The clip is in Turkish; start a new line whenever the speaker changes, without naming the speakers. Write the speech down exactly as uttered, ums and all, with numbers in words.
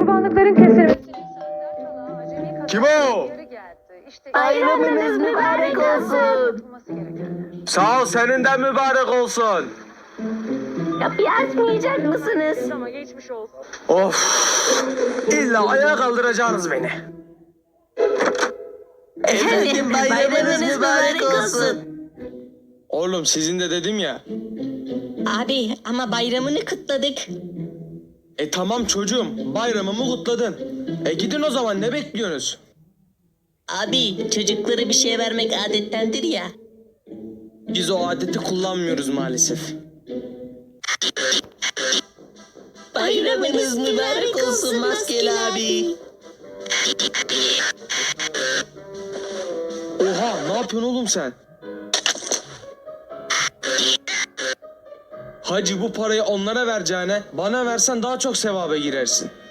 kurbanlıkların kesilmesi. Saatler kala acemi
Kim
kazadan
o?
geri geldi. İşte
Bayramınız mübarek olsun.
yapılması gerekenler.
Sağ ol, senin de mübarek olsun.
Kapıyı açmayacak mısınız?
Ama geçmiş olsun.
Of. İlla ayağa kaldıracaksınız beni.
Efendim bayramınız mübarek olsun.
Oğlum sizin de dedim ya.
Abi ama bayramını kutladık.
E tamam çocuğum, bayramımı kutladın. E gidin o zaman, ne bekliyorsunuz?
Abi çocuklara bir şey vermek adettendir ya.
Biz o adeti kullanmıyoruz maalesef.
Bayramınız mübarek olsun Maskeli abi.
Oha, ne yapıyorsun oğlum sen? Hacı, bu parayı onlara vereceğine bana versen daha çok sevaba girersin.